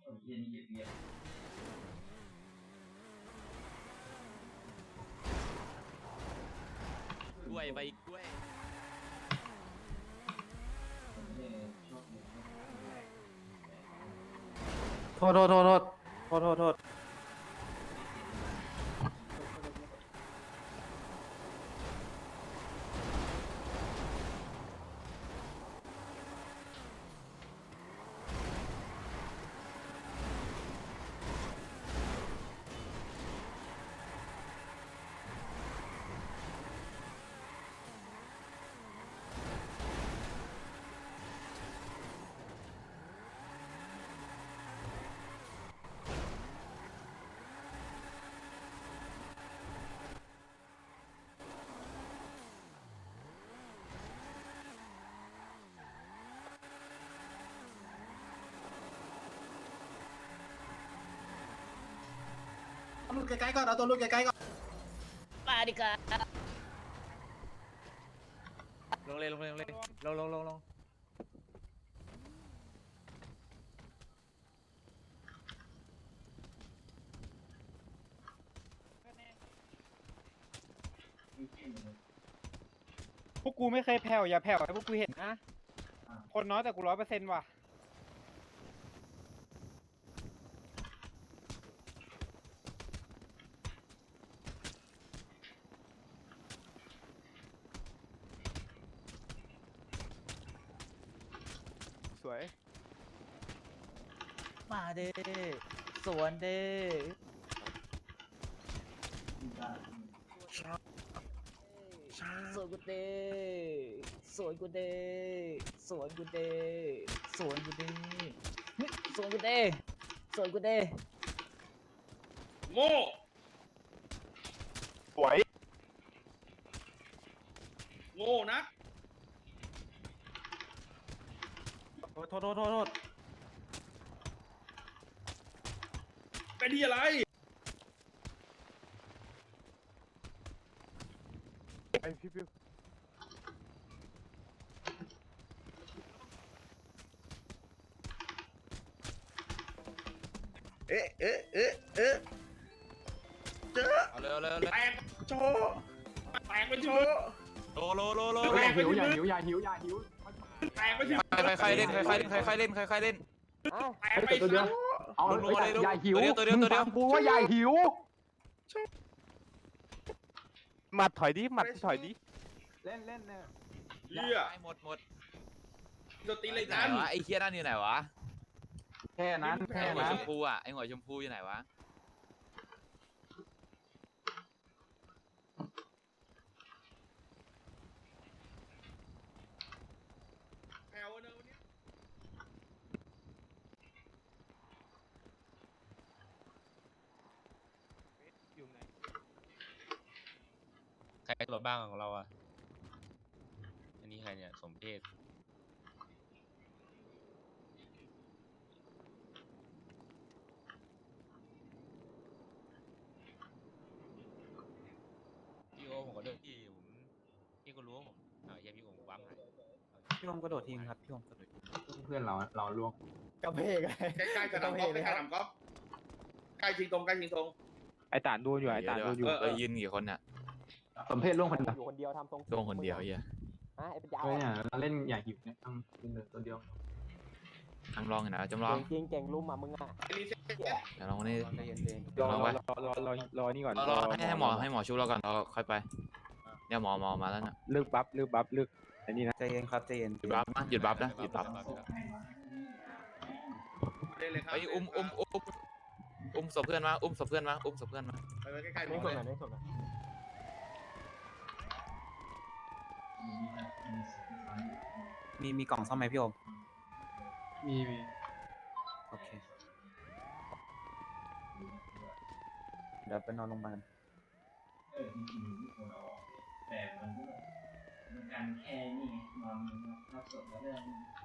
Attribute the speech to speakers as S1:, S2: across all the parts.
S1: กล้วยใบกล้วย
S2: โทษโทษโทษโทษโทษโทษโทษ
S3: ลูกใกล้ๆก่อนเอาตัวลูกใกล้ๆก่อน
S1: มาดิกาลงเลยลงเลยลงเลยลง
S4: พวกกูไม่เคยแผ่วอย่าแผ่วให้พวกกูเห็นนะคนน้อยแต่กู100%ว่ะสวย
S1: มาเด้สวนเด้สวนกูเด้สวนกูเด้สวนกูเด้สวนกูเด้สวนกูเด้สวนกูเด้
S5: โง่
S4: สวย
S5: โง่นะ
S2: โทษโทษโทษโทษ
S5: เป็นที่อะไร
S4: ไอพี่ปิ๊บ
S5: เอ๊ะเจอ
S1: เอาเร็วเร็ว
S5: แตกโชว์แตกไปโชว์
S1: โลแ
S5: แตกไป
S2: หิว
S5: ที่
S2: อย่า
S5: มือ
S2: หิวอย่าหิวอย่าหิว
S5: แตกไปที่
S1: ใครเล่นใครเล่นใครเล่น
S5: แตกไป
S2: ตัวเดียว เอา
S1: ลงเลย
S2: อย่าหิว
S1: ตัวเดียว
S2: มึงฟังกูว่าอย่าหิว
S4: หมัดถอยดิหมัดถอยดิ
S2: เล่นเล่นเนี่ย
S5: เหี้ย
S1: หมด
S5: โดนตีเลย
S1: ไหน
S5: กัน
S1: วะไอ้เคียนั่นอยู่ไหนวะ
S2: แค่นั้น
S1: ไอ้
S2: แค่
S1: หัว
S2: นั้
S1: ช
S2: น
S1: มพูอ่ะไอ้หัวชมพูอยู่ไหนวะ
S5: แถวเนอะวันนี้
S4: อยู่ไหน
S6: ใครรถบ้างของเราอ่ะ อันนี้ใครเนี่ย สมเพศพี่โอผมก็เดินพี่ก็รู้ว่าผมยังพี่โอผมวั้มหาย
S2: พี่อมกระโดดทิ้งครับพี่อมกระโดดเพื่อนเราล่วง
S4: กระเพก
S5: ใกล้ๆสนามกอล์ฟใกล้ๆสนามกอล์ฟใกล้ชิงตรงใกล้ชิงตรง
S4: ไอตานดูอยู่ไอตานดูอยู่
S1: ยืนกี่คนเนี่ย
S2: สมเพศล่วงคนเดียว
S7: อยู่คนเดียวทำทรง
S1: ลงคนเดียวเฮีย
S7: ไอ้เป็นยาว
S2: เฮ้ยเนี่ยเราเล่นอย่าหิวเนี่ยต้องกินเลยตัวเดียว
S1: จำลองอยู่นะจำลอง
S7: จริงเก่งลุมอ่ะมึงอ่ะ
S5: รีเซ็ต
S1: เดี๋ยวลองนี่
S2: ใจเย็น
S4: รอ
S1: ลองไว้
S4: รอนี่ก่อน
S1: รอให้หมอชุบเราก่อนเราค่อยไปเนี่ยหมอมาแล้วนะ
S4: เลิกบัฟอันนี้นะ
S2: ใจเย็นครับใจเย็น
S1: หยุดบัฟนะหยุดบัฟนะหยุดบัฟ
S5: เล่นเลยครับ
S1: ไอ้อุ้มศพเพื่อนมาอุ้มศพเพื่อนมาอุ้มศพเพื่อนมา
S5: ไปไว้ใกล้ๆหม
S7: ไม่
S5: อ
S7: ส่ง
S5: เลย
S7: ไหนไม่ส่งไหน
S2: มีกล่องซ่อมไหมพี่อม
S3: มี
S2: โอเคเดี๋ยวไปนอนโรงพยาบาล
S8: แต่มันการแค่นี่นอนรับศพแล้วเรื่อง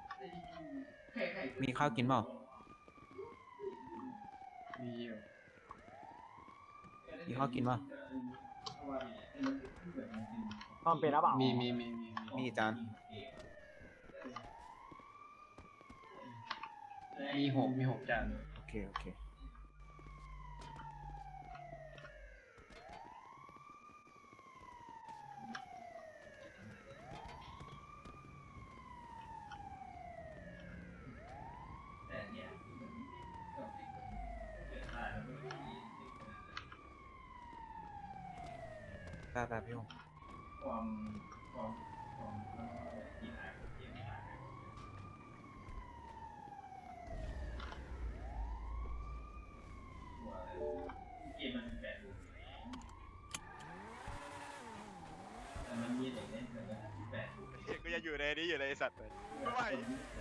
S2: มีข้าวกินเปล่า
S3: มีอยู่
S2: มีข้าวกินเปล่า
S7: ต้องเป็นหรือเปล่า
S2: มีจาน
S3: มีหกจาน
S2: โอเค
S9: เคโอเค
S8: แต่เนี่ยก็เป็นคนเกิดมาแล้วไม่มี
S2: ได้พี่ผม
S8: ความที่หายเกมหายว่าเกมมันแปลกแต่มันมีเด็กเล่นแต่มันแปลก
S10: ก็ยังอยู่ในนี้อยู่เลยไอ้สัตว์เลยไม่ไหว